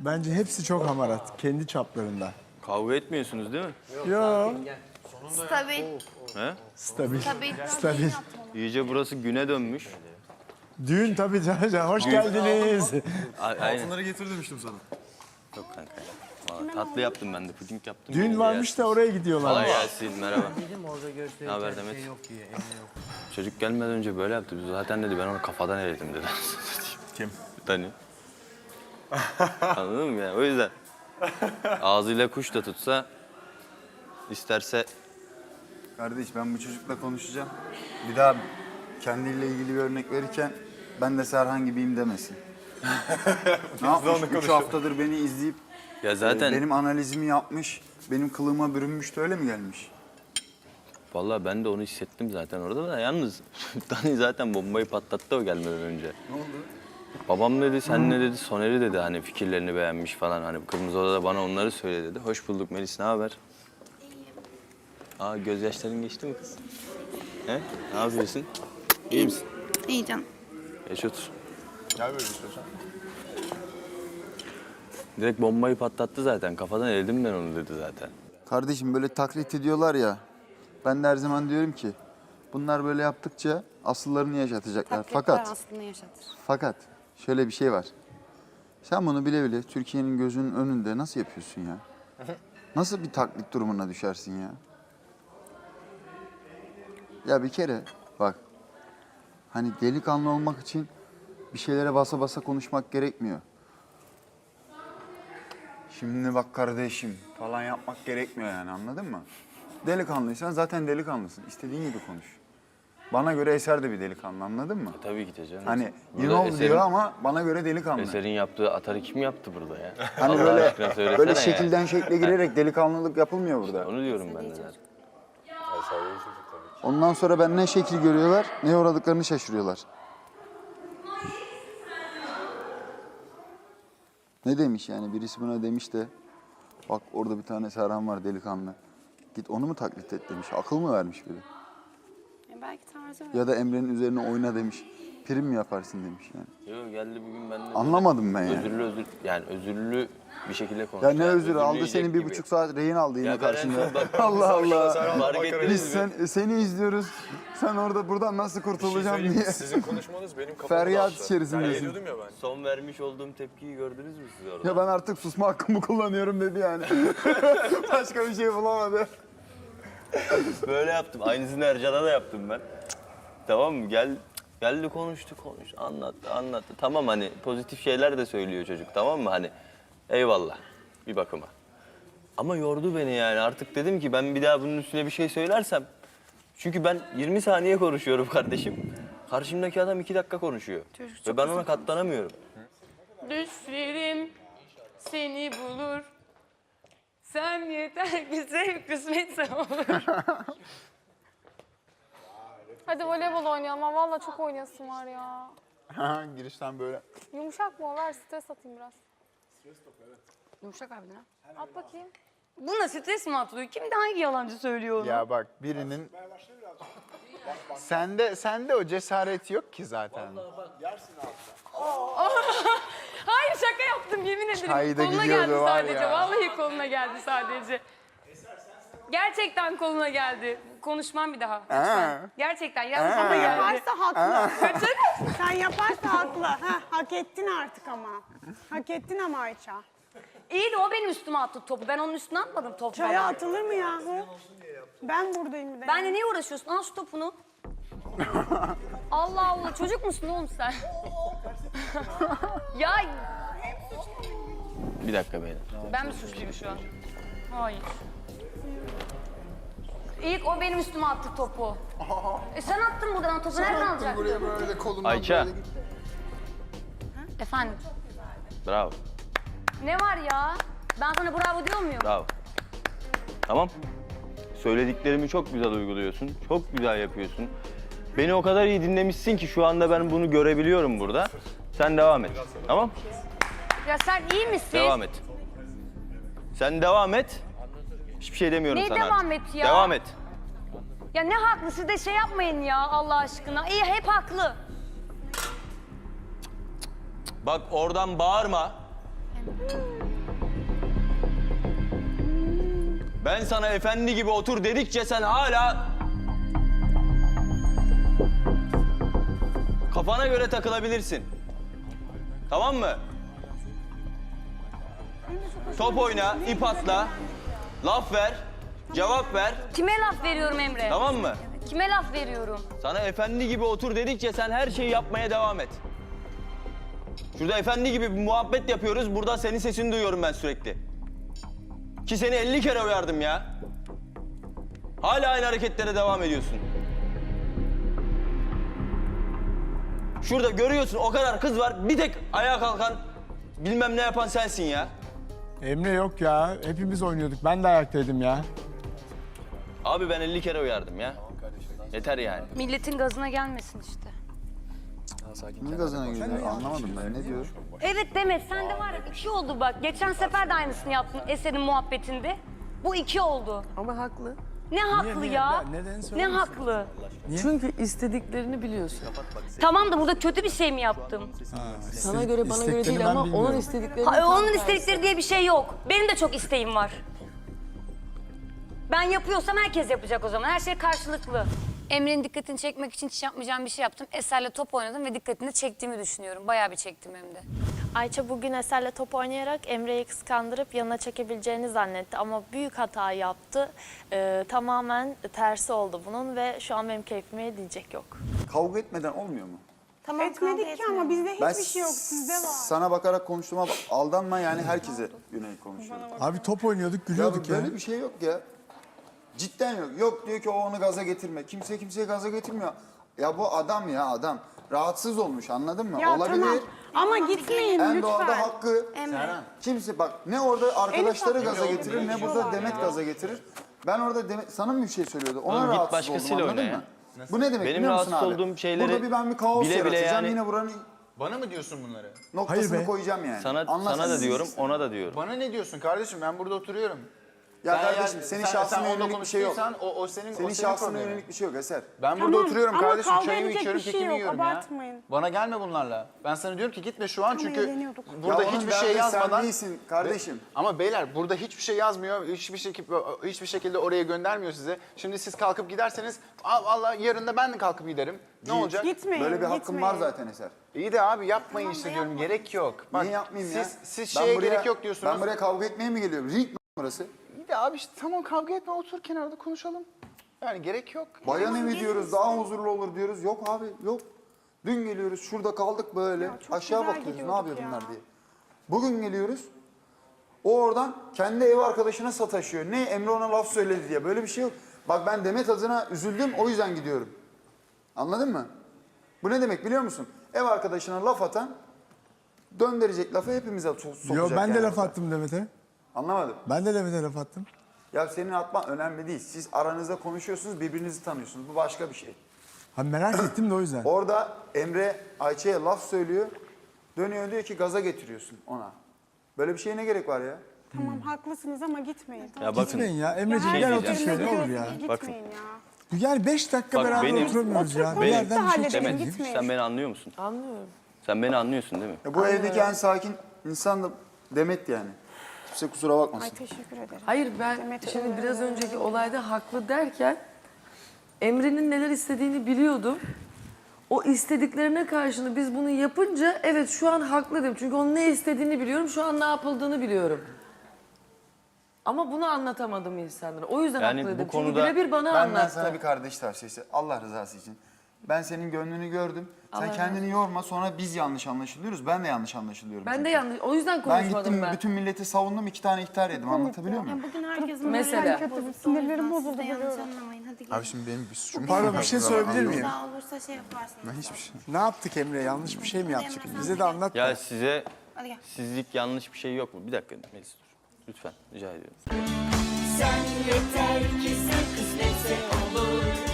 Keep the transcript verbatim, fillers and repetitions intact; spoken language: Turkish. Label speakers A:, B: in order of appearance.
A: Bence hepsi çok hamarat. Kendi çaplarında.
B: Kavga etmiyorsunuz değil mi?
A: Yo.
C: Stabil.
B: He?
A: Stabil.
C: Stabil.
A: Stabil.
B: İyice burası güne dönmüş.
A: Düğün tabii Can Can. Hoş geldiniz.
B: A- Aynen.
D: Bunları getir demiştim sana.
B: Yok kanka. Vallahi tatlı yaptım ben de, puding yaptım.
A: Düğün
B: Beni de
A: varmış da
B: yersiniz.
A: oraya gidiyorlar.
B: Kolay gelsin, merhaba.
E: Dedim orada gösterirken
B: Ne haber
E: bir
B: Demet?
E: şey yok diye, emri yok.
B: Çocuk gelmeden önce böyle yaptı. Biz zaten dedi ben onu kafadan eledim dedi.
D: Kim?
B: Dani. Anladın mı yani? O yüzden. Ağzıyla kuş da tutsa, isterse
F: Kardeş ben bu çocukla konuşacağım. Bir daha kendiyle ilgili bir örnek verirken ben de Serhan gibiyim demesin. Ne yapmış? Üç haftadır beni izleyip
B: ya zaten
F: e, benim analizimi yapmış, benim kılığıma bürünmüş de öyle mi gelmiş?
B: vallahi ben de onu hissettim zaten orada da. Yalnız Dani zaten bombayı patlattı o gelmeden önce.
F: Ne oldu?
B: Babam dedi, sen ne dedi, Soner'i dedi hani fikirlerini beğenmiş falan. Hani Kırmızı Oda'da bana onları söyle dedi. Hoş bulduk Melis, ne haber? Aa gözyaşların geçti mi kız? He? Ne yapıyorsun? İyi misin?
C: İyi canım.
B: Geç otur.
D: Gel böyle istiyorsan.
B: Direkt bombayı patlattı zaten. Kafadan eledim ben onu dedi zaten.
F: Kardeşim böyle taklit ediyorlar ya. Ben de her zaman diyorum ki bunlar böyle yaptıkça asıllarını yaşatacaklar. Fakat
C: aslında yaşatır.
F: fakat şöyle bir şey var. Sen bunu bile bile Türkiye'nin gözünün önünde nasıl yapıyorsun ya? Nasıl bir taklit durumuna düşersin ya? Ya bir kere bak, hani delikanlı olmak için bir şeylere basa basa konuşmak gerekmiyor. Şimdi bak kardeşim falan yapmak gerekmiyor yani, anladın mı? Delikanlıysan zaten delikanlısın. İstediğin gibi konuş. Bana göre Eser de bir delikanlı, anladın mı?
B: E, tabii ki de canım.
F: Hani
B: Burada
F: you know
B: Eser'in-
F: diyor ama bana göre delikanlı.
B: Eser'in yaptığı atarı kim yaptı burada ya?
F: Hani
B: Allah
F: böyle
B: aşkına söylesene
F: böyle
B: ya.
F: şekilden şekle girerek delikanlılık yapılmıyor burada.
B: Onu diyorum ben de zaten.
F: Ondan sonra ben ne şekil görüyorlar, ne uğradıklarını şaşırıyorlar. Ne demiş yani? Birisi buna demiş de, bak orada bir tane Serhan var delikanlı. Git onu mu taklit et demiş. Akıl mı vermiş biri?
C: E, belki tarzı öyle.
F: Ya da Emre'nin üzerine oyna demiş. Prim mi yaparsın demiş yani.
B: Yok geldi bugün ben de.
F: Anlamadım ben yani.
B: Özürlü özür yani özürlü bir şekilde konuştu.
F: Ya ne
B: Yani
F: özür aldı,
B: özürleyecek
F: senin bir
B: gibi.
F: buçuk saat rehin aldı yine
B: Ya ben en
F: karşında.
B: son bak-
F: Allah Allah.
B: Fark ettiniz
F: Biz
B: mi?
F: sen, seni izliyoruz. Sen orada buradan nasıl kurtulacağım diye.
D: Sizin konuşmanız benim kafamı
F: Feryat
D: dağıttı.
F: içerisindesin.
D: Ben geliyordum ya ben.
B: Son vermiş olduğum tepkiyi gördünüz mü siz orada?
F: Ya ben artık susma hakkımı kullanıyorum dedi yani. Başka bir şey bulamadı.
B: Böyle yaptım. Aynısını Ercan'a da yaptım ben. Tamam mı? Gel geldi konuştu konuş. Anlattı anlattı. Tamam hani pozitif şeyler de söylüyor çocuk, tamam mı? Hani eyvallah bir bakıma. Ama yordu beni yani. Artık dedim ki ben bir daha bunun üstüne bir şey söylersem. Çünkü ben yirmi saniye konuşuyorum kardeşim. Karşımdaki adam iki dakika konuşuyor.
C: Çocuk
B: Ve
C: çok
B: ben ona katlanamıyorum.
G: Düşlerim seni bulur. Sen yeter ki sev, kısmetse olur.
H: Hadi voleybol oynayalım. ama Vallahi çok oynayasım var ya.
F: Girişten böyle.
H: Yumuşak mı o? Ver stres atayım biraz.
G: Yumuşak harbiden ha.
H: At bakayım.
G: Buna stres mi atılıyor? Kim de hangi yalancı söylüyor onu?
I: Ya bak birinin sende sende o cesaret yok ki zaten.
G: Hayır şaka yaptım yemin ederim.
I: Çay da
G: koluna
I: gidiyordu
G: geldi
I: var
G: sadece.
I: ya.
G: Vallahi koluna geldi sadece. Gerçekten koluna geldi. Konuşmam bir daha. Lütfen. Gerçekten yalnız ama geldi.
J: Yaparsa haklı. Sen yaparsa haklı. Heh, hak ettin artık ama. Hak ettin ama Ayça.
G: İyi de o benim üstüme attı topu. Ben onun üstüne atmadım topu
J: Çaya
G: falan.
J: atılır mı yahu? Ben buradayım bir de.
G: Benle niye uğraşıyorsun? Al şu topunu. Allah Allah çocuk musun oğlum sen? Ya
B: Bir dakika beyler.
G: ben mi suçluyum şu an? Hayır. İlk o benim üstüme attı topu. E sen attın buradan topu nereden alacaktın?
I: Buraya böyle kolumdan
B: Ayça.
I: böyle.
G: Efendim
B: Bravo.
G: ne var ya? Ben sana bravo diyor muyum?
B: Bravo. Tamam. Söylediklerimi çok güzel uyguluyorsun. Çok güzel yapıyorsun. Beni o kadar iyi dinlemişsin ki şu anda ben bunu görebiliyorum burada. Sen devam et. Tamam?
G: Ya sen iyi misin?
B: Devam et. Sen devam et. Hiçbir şey demiyorum
G: Ne
B: sana
G: devam
B: artık.
G: et ya?
B: Devam et.
G: Ya ne haklı siz de şey yapmayın ya Allah aşkına. İyi hep haklı.
B: Bak oradan bağırma. Ben sana efendi gibi otur dedikçe sen hala... Kafana göre takılabilirsin. Tamam mı? Top oyna, ip atla, laf ver, cevap ver.
G: Kime laf veriyorum Emre?
B: Tamam mı?
G: Kime laf veriyorum?
B: Sana efendi gibi otur dedikçe sen her şeyi yapmaya devam et. Şurada efendi gibi bir muhabbet yapıyoruz. Burada senin sesini duyuyorum ben sürekli. Ki seni elli kere uyardım ya. Hala aynı hareketlere devam ediyorsun. Şurada görüyorsun o kadar kız var. Bir tek ayağa kalkan, bilmem ne yapan sensin ya.
A: Emre yok ya. Hepimiz oynuyorduk. Ben de ayaktaydım ya.
B: Abi ben elli kere uyardım ya. Yeter yani.
G: Milletin gazına gelmesin işte.
F: Ne gazına geliyor? Anlamadım ben. Ne diyor?
G: Evet Demet, sen de var ya iki oldu bak. Geçen sefer de aynısını yaptın Eser'in muhabbetinde. Bu iki oldu.
E: Ama haklı.
G: Ne haklı
A: niye?
G: ya?
A: Ben- neden
G: Ne
A: söylüyorsun?
G: haklı?
E: Çünkü istediklerini biliyorsun.
G: Tamam da burada kötü bir şey mi yaptım?
E: Sana göre bana göre
A: isteklerini
E: değil
A: ben
E: ama
A: bilmiyorum.
E: onun istediklerini
G: Ha,
E: tam
G: onun
E: tersi.
G: istedikleri diye bir şey yok. Benim de çok isteğim var. Ben yapıyorsam herkes yapacak o zaman. Her şey karşılıklı. Emre'nin dikkatini çekmek için hiç yapmayacağım bir şey yaptım. Eser'le top oynadım ve dikkatini çektiğimi düşünüyorum. Bayağı bir çektim hem de.
H: Ayça bugün Eser'le top oynayarak Emre'yi kıskandırıp yanına çekebileceğini zannetti ama büyük hata yaptı. Ee, tamamen tersi oldu bunun ve şu an benim keyfime diyecek yok.
F: Kavga etmeden olmuyor mu?
C: Tamam,
J: Etmedik ki ama bizde
F: Ben
J: hiçbir şey yok. Sizde var.
F: sana bakarak konuştuğuma bak- aldanma yani herkese yönelik konuşuyorum.
A: Abi top oynuyorduk,
F: Ya
A: gülüyorduk ya.
F: böyle bir şey yok ya. Cidden yok. Yok diyor ki o onu gaza getirme. Kimse kimseye gaza getirmiyor. Ya bu adam ya adam. Rahatsız olmuş anladın mı?
J: Ya
F: Olabilir.
J: tamam. Ama gitmeyin
F: En doğada
J: lütfen.
F: hakkı. Kimse bak ne orada arkadaşları gaza getirir ne burada Demet gaza getirir. Ben orada Demet sana mı bir şey söylüyordu? Ona
B: Oğlum git
F: rahatsız
B: başkasıyla
F: oldum anladın
B: oyna ya.
F: mı? Bu ne demek
B: Benim
F: biliyor musun
B: rahatsız
F: abi?
B: olduğum şeyleri
F: Burada bir ben bir kaos
B: bile bile
F: yaratacağım
B: yani-
F: yine buranın
D: Bana mı diyorsun bunları?
F: noktasını
A: Hayır be.
F: koyacağım yani.
B: Sana,
F: Anlat
B: sana
F: sen.
B: da diyorum, ona da diyorum.
D: Bana ne diyorsun kardeşim? Ben burada oturuyorum.
F: Ya
D: Sen
F: kardeşim
D: yani-
F: senin
D: sen-
F: şahsına
D: sen onunla
F: yönelik bir şey yok.
D: konuştuysan O, o senin,
F: Senin
D: o senin
F: şahsına
D: problemin.
F: yönelik bir şey yok Eser.
D: Ben burada
J: Tamam,
D: oturuyorum
J: ama
D: kardeşim.
J: kavga
D: Çayımı
J: edecek
D: içiyorum,
J: bir şey
D: kekimi
J: yok,
D: yiyorum
J: abartmayın.
D: ya. Bana gelme bunlarla. Ben sana diyorum ki gitme şu an çünkü
J: eğleniyorduk.
D: burada
F: Ya onun
D: hiçbir şey
F: derdi sen
D: yazmadan...
F: değilsin kardeşim.
D: Ama beyler burada hiçbir şey yazmıyor. Hiçbir şekilde hiçbir şekilde oraya göndermiyor size. Şimdi siz kalkıp giderseniz "Aa, vallahi yarın da ben de kalkıp giderim. Ne olacak?
J: Gitmeyin,
F: Böyle bir hakkın
J: gitmeyin.
F: var zaten Eser.
D: İyi de abi yapmayın işte diyorum. Gerek yok. Bak,
F: Niye yapmayayım
D: siz,
F: ya?
D: Siz
F: Ben
D: şeye
F: buraya-
D: gerek yok diyorsunuz.
F: Ben buraya kavga etmeye mi geliyorum? Ring mi burası?
D: İyi de abi işte tamam kavga etme otur kenarda konuşalım. Yani gerek yok.
F: Bayan evi diyoruz, daha huzurlu olur diyoruz. Yok abi, yok. Dün geliyoruz, şurada kaldık böyle.
J: çok
F: Aşağı
J: güzel
F: bakıyoruz, ne
J: gidiyorduk
F: yapıyor
J: ya.
F: bunlar diye. Bugün geliyoruz, o oradan kendi ev arkadaşına sataşıyor. Ne, Emre ona laf söyledi diye. Böyle bir şey yok. Bak ben Demet adına üzüldüm, o yüzden gidiyorum. Anladın mı? Bu ne demek biliyor musun? Ev arkadaşına laf atan, döndürecek lafı hepimize so- sokacak.
A: Yo ben de
F: yani
A: laf
F: orada.
A: attım Demet'e.
F: Anlamadım.
A: Ben de Demet'e laf attım.
F: Ya senin atman önemli değil. Siz aranızda konuşuyorsunuz, birbirinizi tanıyorsunuz. Bu başka bir şey.
A: Ha merak ettim de o yüzden.
F: Orada Emre Ayça'ya laf söylüyor. Dönüyor diyor ki gaza getiriyorsun ona. Böyle bir şeye ne gerek var ya?
J: Tamam haklısınız ama gitmeyin. Tamam.
B: Ya bakın,
A: Gitmeyin ya. Emre'ciğim
J: Her
A: gel
B: şey
A: otur
B: diyeceğim.
A: şöyle ne olur ya.
J: Gitmeyin
B: Bakın.
J: ya.
A: Yani beş dakika
B: Bak
A: beraber
B: benim-
A: oturamıyoruz ya. Bir
J: Benim-
A: yerden bir şey
J: halledelim,
A: çıkıyor.
B: Demet,
J: gitmeyin.
B: sen beni anlıyor musun?
E: Anlıyorum.
B: Sen beni anlıyorsun değil mi?
F: Ya bu evdeki en sakin insan da Demet yani. Kimse kusura bakmasın.
J: Ay teşekkür ederim.
E: Hayır ben
J: Demet
E: şimdi
J: Hanım.
E: biraz önceki olayda haklı derken Emre'nin neler istediğini biliyordum. O istediklerine karşını biz bunu yapınca evet şu an haklı dedim. Çünkü onun ne istediğini biliyorum, şu an ne yapıldığını biliyorum. Ama bunu anlatamadım insanlara. O yüzden
B: Yani
E: haklı
B: bu
E: dedim.
B: konuda-
E: Çünkü birebir bana
F: Benden
E: anlattı.
F: sana bir kardeş tavsiyesi. Allah rızası için. Ben senin gönlünü gördüm. Sen
E: Allah
F: kendini yorma sonra biz yanlış anlaşılıyoruz. Ben de yanlış anlaşılıyorum.
E: Ben de
F: çünkü.
E: yanlış. O yüzden
F: Ben
E: konuşmadım
F: gittim
E: ben.
F: bütün milleti savundum. iki tane ihtar yedim. Anlatabiliyor muyum?
C: Bugün herkesin
E: Mesela.
C: morali
J: Sinirlerim
C: bozuldu.
J: bozuldu,
C: Siz de yanlış
J: biliyorum.
C: anlamayın. Hadi gelin.
D: Abi şimdi benim bir suçum
A: Pardon bir şey söyleyebilir miyim?
C: Daha olursa şey yaparsınız.
D: Ben hiçbir şey.
A: Ne yaptık Emre? Yanlış bir şey mi yaptık? Bize de anlat.
B: Ya
A: da.
B: size
C: Hadi gel.
B: sizlik yanlış bir şey yok mu? Bir dakika Melis dur. Lütfen rica ediyorum.
K: Sen yeter ki sen kısmetse olur.